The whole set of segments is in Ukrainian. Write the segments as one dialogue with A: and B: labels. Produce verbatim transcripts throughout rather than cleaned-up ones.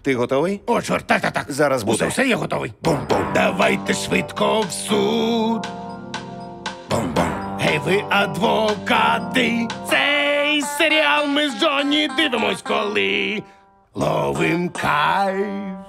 A: Ти готовий?
B: О, чорт, так, так, так.
A: Зараз буде.
B: Усе, все, я готовий. Бум-бум. Давайте швидко в суд. Бум-бум. Гей, ви адвокати. Цей серіал ми з Джонні дивимось, коли ловим кайф.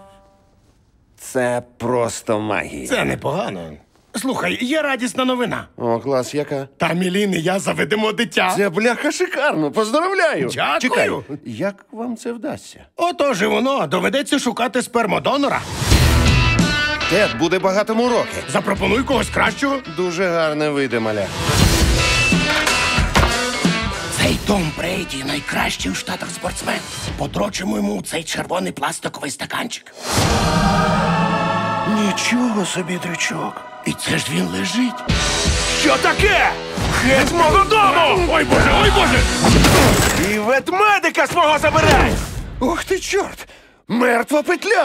A: Це просто магія.
B: Це непогано. Слухай, є радісна новина.
A: О, клас, яка?
B: Та Мілін і я заведемо дитя.
A: Це, бляха, шикарно. Поздравляю.
B: Дякую.
A: Чекай, як вам це вдасться?
B: Отож і воно. Доведеться шукати спермодонора.
A: Тед буде багатому роки.
B: Запропонуй когось кращого.
A: Дуже гарне вийде, маля.
B: Цей Том Брейді найкращий у Штатах спортсмен. Подрочимо йому цей червоний пластиковий стаканчик.
A: Нічого собі, дрючок.
B: І це ж він лежить.
C: Що таке? Геть мого дому!
B: Ой, Боже, ой, Боже!
C: І ветмедика свого забирай!
A: Ух ти, чорт! Мертва петля!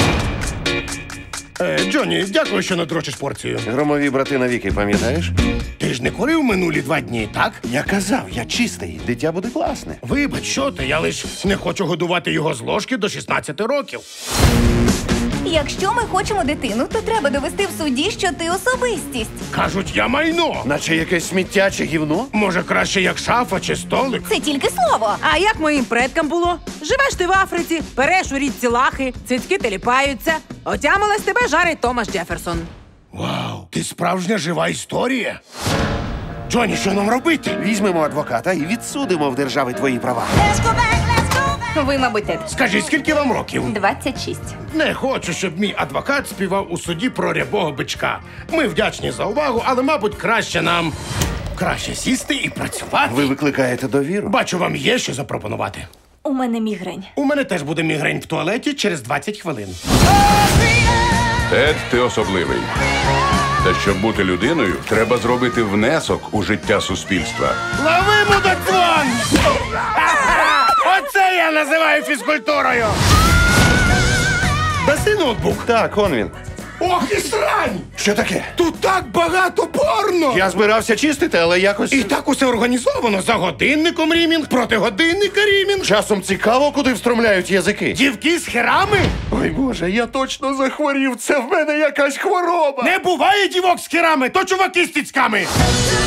B: Е, Джонні, дякую, що надрочиш порцію.
A: Громові брати навіки, пам'ятаєш?
B: Ти ж не курив минулі два дні, так?
A: Я казав, я чистий. Дитя буде класне.
B: Вибач, що ти, я лиш не хочу годувати його з ложки до шістнадцяти років.
D: Якщо ми хочемо дитину, то треба довести в суді, що ти особистість.
B: Кажуть, я майно.
A: Наче якесь сміття чи гівно?
B: Може, краще як шафа чи столик?
D: Це тільки слово.
E: А як моїм предкам було? Живеш ти в Африці, переш у річці лахи, цицьки теліпаються. Отямилась тебе жарить Томас Джеферсон.
B: Вау, ти справжня жива історія. Джонні, що нам робити?
A: Візьмемо адвоката і відсудимо в держави твої права.
D: Ви, мабуть, Тед.
B: Скажи, скільки вам років?
D: двадцять шість.
B: Не хочу, щоб мій адвокат співав у суді про рябого бичка. Ми вдячні за увагу, але, мабуть, краще нам краще сісти і працювати.
A: Ви викликаєте довіру?
B: Бачу, вам є що запропонувати.
D: У мене мігрень.
B: У мене теж буде мігрень в туалеті через двадцять хвилин.
F: Тед, ти особливий. Та щоб бути людиною, треба зробити внесок у життя суспільства.
B: Лови, мудаквон! Оце я називаю фізкультурою! Даси ноутбук.
A: Так, он він.
B: Ох і срань!
A: Що таке?
B: Тут так багато порно!
A: Я збирався чистити, але якось...
B: І так усе організовано. За годинником рімінг, проти годинника рімінг.
A: Часом цікаво, куди встромляють язики.
B: Дівки з херами?
A: Ой, Боже, я точно захворів. Це в мене якась хвороба.
B: Не буває дівок з херами, то чуваки з тіцьками.